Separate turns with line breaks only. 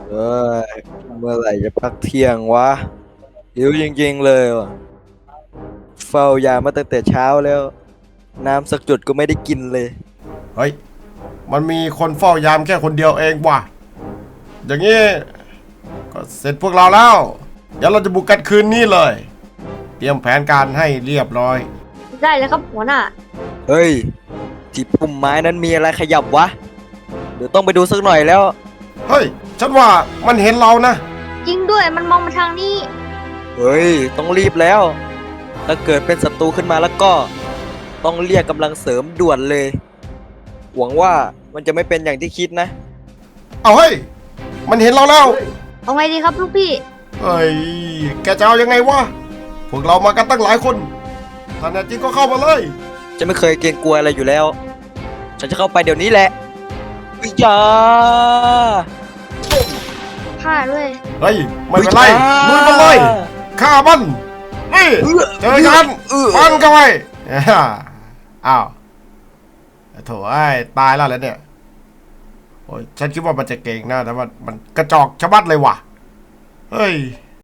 เอ้ยเมื่อไหร่จะพักเที่ยงวะหิวจริงๆเลยว่ะเฝ้ายามมาตั้งแต่เช้าแล้วน้ำสักจุดก็ไม่ได้กินเลย
เฮ้ยมันมีคนเฝ้ายามแค่คนเดียวเองว่ะอย่างนี้ก็เสร็จพวกเราแล้วเดี๋ยวเราจะบุกกันคืนนี้เลยเตรียมแผนการให้เรียบร้อย
ได้เลยครับหัวหน้า
เฮ้ยที่พุ่มไม้นั้นมีอะไรขยับวะเดี๋ยวต้องไปดูสักหน่อยแล้ว
เฮ้ยฉันว่ามันเห็นเรานะ
จริงด้วยมันมองมาทางนี้
เฮ้ยต้องรีบแล้วถ้าเกิดเป็นศัตรูขึ้นมาแล้วก็ต้องเรียกกำลังเสริมด่วนเลยหวังว่ามันจะไม่เป็นอย่างที่คิดนะ
เอาเฮ้ยมันเห็นเราแล้ว
เอาไงดีครับลูกพี่
เฮ้ยแกจะเอายังไงวะพวกเรามากันตั้งหลายคนถ้าแน่จริงก็เข้ามาเลย
จะไม่เคยเกรงกลัวอะไรอยู่แล้วฉันจะเข้าไปเดี๋ยวนี้แหละวิยา
ฆ่าด้วย
เฮ้ยไม่เป็นไรลุยมันเลยฆ่ามันนี่เจอกันฟันกันไปอ้าวโถ่ไอ้ตายแล้วเนี่ยโอ้ยฉันคิดว่ามันจะเก่งนะแต่ว่ามันกระจอกชะมัดเลยว่ะเฮ้ย